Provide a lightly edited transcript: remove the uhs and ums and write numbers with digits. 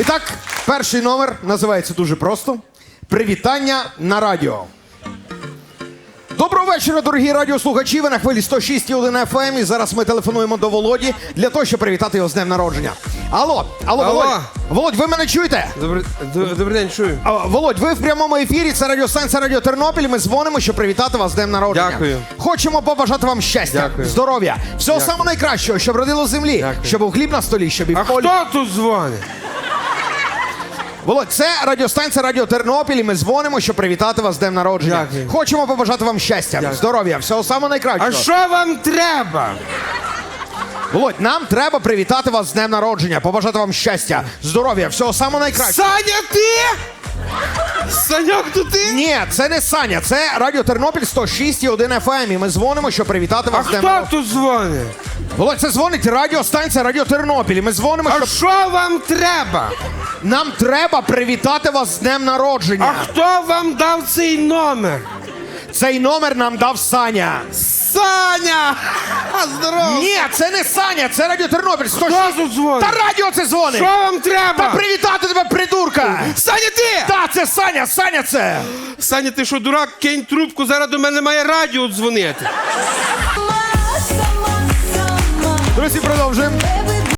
І так, перший номер називається дуже просто «Привітання на радіо». Доброго вечора, дорогі радіослухачі. Ви на хвилі 106,1 FM. І зараз ми телефонуємо до Володі для того, щоб привітати його з днем народження. Алло, Володь. Володь, ви мене чуєте? Добрий день, чую. Володь, ви в прямому ефірі, це радіостанція Радіо Тернопіль. Ми дзвонимо, щоб привітати вас з днем народження. Дякую. Хочемо побажати вам щастя, Дякую. здоров'я, всього самого найкращого, щоб родило землі, Дякую. щоб був хліб на столі, щоб і в А полі. хто тут дзвонить? Володь, це радіостанція Радіо Тернопіль, і ми дзвонимо, щоб привітати вас з днем народження. Дякую. Хочемо побажати вам щастя, Дякую. здоров'я, всього самого найкращого. А що вам треба? Володь, нам треба привітати вас з днем народження, побажати вам щастя, здоров'я, всього самого найкращого. Саня, ти? Саньок, то ти? Ні, це не Саня, це Радіо Тернопіль 106,1 FM, і ми дзвонимо, щоб привітати А вас з днем хто народження. тут дзвонить? Володь, це дзвонить радіостанція Радіо Тернопіль, і ми дзвонимо, А щоб... що вам треба? Нам треба привітати вас з днем народження. А хто вам дав цей номер? Цей номер нам дав Саня. Саня! Здорово! Ні, це не Саня, це Радіо Тернопіль 106. Хто тут дзвонить? Та радіо це дзвонить. Що вам Та треба? привітати тебе, придурка! Саня, ти! Та, це Саня, Саня це! Саня, ти що, дурак? Кинь трубку, зараз до мене має радіо дзвонити. Друзі, продовжуємо.